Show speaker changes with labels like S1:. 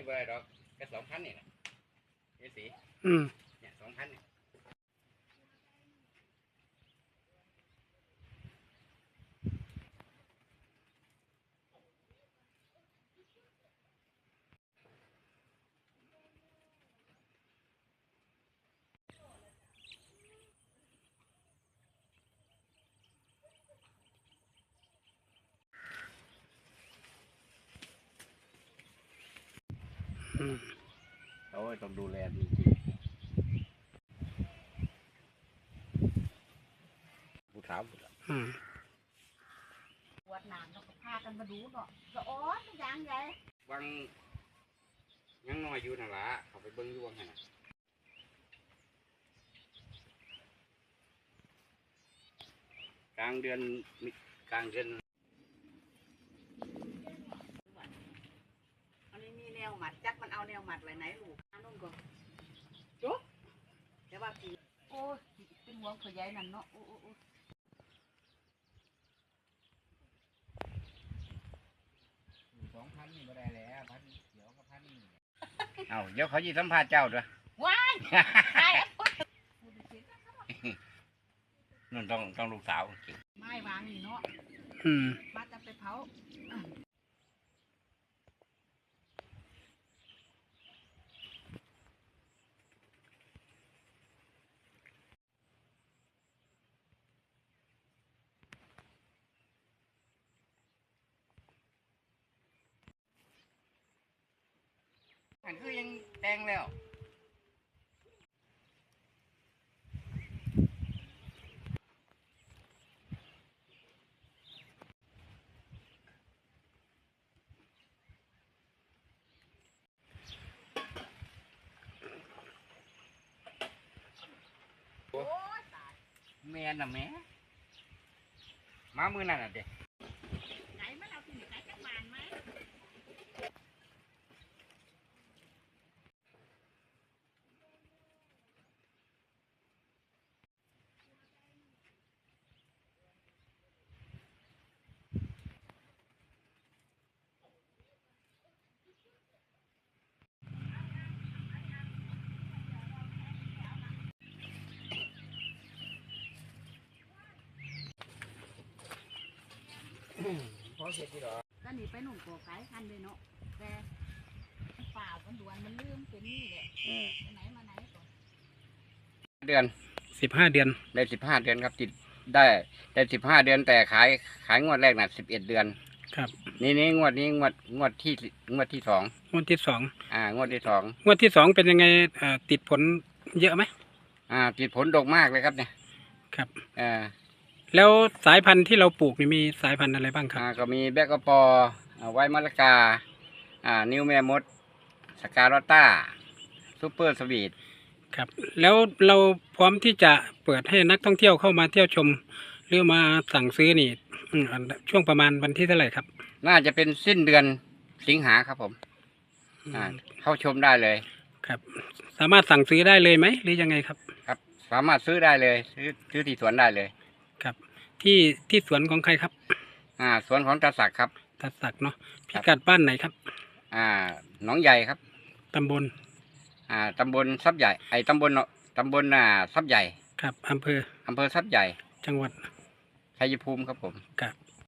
S1: ไปได้ดอกแค่2,000นี่แหละเอสีเนี่ย2,000เนี่ยโอ้ยต้องดูแลจริงๆผู้สาว
S2: ปวดหนังเราก็พากันมาดูเนาะก็อ๋อนอย่างไง
S1: วังยังน้อยอยู่นั่นล่ะเขาไปเบิ้งอยู่วังหั่นน่ะกลางเดือน
S2: อันนี้มีแนวหมัดจักมันเอาแนวหมัดไว้ไหนลูกนุ่มก่อนจุ๊บเดี๋ยวว่าผีโอ้เป็นห่วงขยายนั่นเนาะโอ้
S1: 2,000นี่บ่ได้แล้ว1,000เดี๋ยวก็1,000นี่เอาเดี๋ยวเขาสิสัมภาษณ์เจ้าด้วย
S2: ว้าย
S1: นั่นต้องลูกสาว
S2: ไม้วางนี่เนาะบ้านจะไปเผา
S1: อันคือยังแดงแล้วแม่น่ะแม่มามือนั่นน่ะเด็ก
S2: ไหนมาเอาที่ไหนจักบานไหม
S1: พอเสร็จที่หรอ
S2: ก็หนีไปหนุ่มก่อไก่ทันเลยเนาะแต่ฝ่ามันด่วนมันลืมเป็นนี่แหละไปไหนมาไหนก่อน
S1: เดือน
S3: 15 เดือน
S1: ได้15 เดือนครับติดได้15 เดือนแต่ขายงวดแรกน่ะ11 เดือน
S3: ครับ
S1: นี่งวดที่2
S3: งวดที่2
S1: งวดที่2
S3: งวดที่2เป็นยังไงติดผลเยอะไหม
S1: ติดผลดกมากเลยครับเนี่ย
S3: ครับแล้วสายพันธุ์ที่เราปลูกมีสายพันธุ์อะไรบ้างครับ
S1: ก็มีแบกกระปอไวมะละกานิวแม่มดสกาโรต้าซูเปอร์สวีท
S3: ครับแล้วเราพร้อมที่จะเปิดให้นักท่องเที่ยวเข้ามาเที่ยวชมหรือมาสั่งซื้อนี่ช่วงประมาณวันที่เท่าไหร่ครับ
S1: น่าจะเป็นสิ้นเดือนสิงหาครับผมเข้าชมได้เลย
S3: ครับสามารถสั่งซื้อได้เลยไหมหรือยังไงครับ
S1: ครับสามารถซื้อได้เลยซื้อที่สวนได้เลย
S3: ครับที่สวนของใครครับ
S1: สวนของตาศักดิ์ครับ
S3: ตาศักดิ์เนาะพิกัดบ้านไหนครับ
S1: หนองใหญ่ครับ
S3: ตำบล
S1: ทรัพย์ใหญ่ตำบลทรัพย์ใหญ่
S3: ครับอำเภอ
S1: ทรัพย์ใหญ่
S3: จังหวัด
S1: ชัยภูมิครับผม
S3: ครับ